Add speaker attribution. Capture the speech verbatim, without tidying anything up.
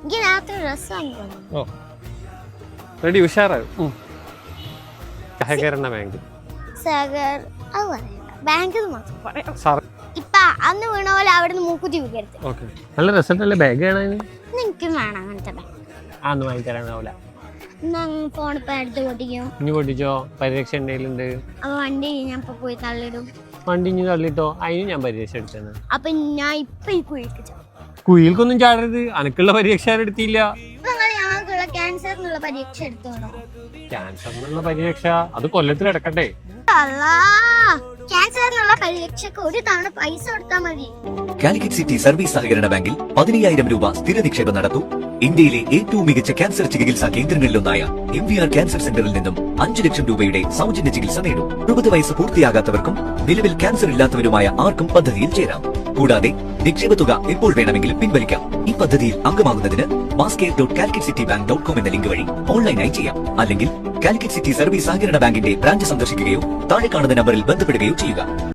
Speaker 1: എനിക്ക് രാത്രി ഡ്രസ് വാങ്ങിക്കണം.
Speaker 2: ഓ റെഡി ഉഷാറാവും. സഹകരണ ബാങ്ക്
Speaker 1: സഹകർ അത് പറയണ്ട, ബാങ്കിൽ മാത്രം പറയാം.
Speaker 2: സാർ
Speaker 1: ഇപ്പൊ അന്ന് വീണ പോലെ അവിടെ നിന്ന് മൂക്കുത്തി വീഴരുത്.
Speaker 2: ഓക്കെ. നല്ല രസമല്ലേ ബാഗ് കാണാൻ?
Speaker 1: നിനക്കും വേണം അങ്ങനത്തെ ബാഗ്.
Speaker 2: ആ ഒന്നും വാങ്ങിത്തരാനാവില്ല.
Speaker 1: ഫോൺ ഇപ്പൊ എടുത്ത് പൊട്ടിക്കും.
Speaker 2: ഇനി പൊട്ടിച്ചോ, പരിരക്ഷ എന്തെങ്കിലുണ്ട്.
Speaker 1: അപ്പൊ വണ്ടി ഞാൻ ഇപ്പൊ പോയി തള്ളിടും.
Speaker 2: വണ്ടി ഇനി തള്ളിട്ടോ, അതിന് ഞാൻ പരിരക്ഷ എടുത്തത്.
Speaker 1: അപ്പൊ ഞാൻ ഇപ്പൊ ഈ കുഴിക്ക് ചാടും.
Speaker 2: കുയിൽക്കൊന്നും ചാടരുത്, അനക്കുള്ള പരീക്ഷ എടുത്തില്ല.
Speaker 1: നിങ്ങൾ ഞങ്ങൾക്കുള്ള ക്യാൻസറിനുള്ള പരീക്ഷ എടുത്തോളൂ.
Speaker 2: ക്യാൻസറിനുള്ള പരിരക്ഷ അത് കൊല്ലത്തിൽ കിടക്കട്ടെ.
Speaker 1: ക്യാൻസറിനുള്ള പരീക്ഷക്ക് ഒരു തവണ പൈസ കൊടുത്താൽ മതി.
Speaker 3: കാലിക്കറ്റ് സിറ്റി സർവീസ് സഹകരണ ബാങ്കിൽ പതിനയ്യായിരം രൂപ സ്ഥിര നിക്ഷേപം നടത്തൂ. ഇന്ത്യയിലെ ഏറ്റവും മികച്ച ക്യാൻസർ ചികിത്സാ കേന്ദ്രങ്ങളിലൊന്നായ എം വി ആർ ക്യാൻസർ സെന്ററിൽ നിന്നും അഞ്ചു ലക്ഷം രൂപയുടെ സൗജന്യ ചികിത്സ നേടും. അറുപത് വയസ്സ് പൂർത്തിയാകാത്തവർക്കും നിലവിൽ ക്യാൻസർ ഇല്ലാത്തവരുമായ ആർക്കും പദ്ധതിയിൽ ചേരാം. കൂടാതെ നിക്ഷേപ തുക എപ്പോൾ വേണമെങ്കിലും പിൻവലിക്കാം. ഈ പദ്ധതിയിൽ അംഗമാകുന്നതിന് മാസ്കെയർ dot Calicut city bank dot com എന്ന ലിങ്ക് വഴി ഓൺലൈനായി ചെയ്യാം. അല്ലെങ്കിൽ കാലിക്കറ്റ് സിറ്റി സർവീസ് സഹകരണ ബാങ്കിന്റെ ബ്രാഞ്ച് സന്ദർശിക്കുകയോ താഴെ കാണുന്ന നമ്പറിൽ ബന്ധപ്പെടുകയോ ചെയ്യുക.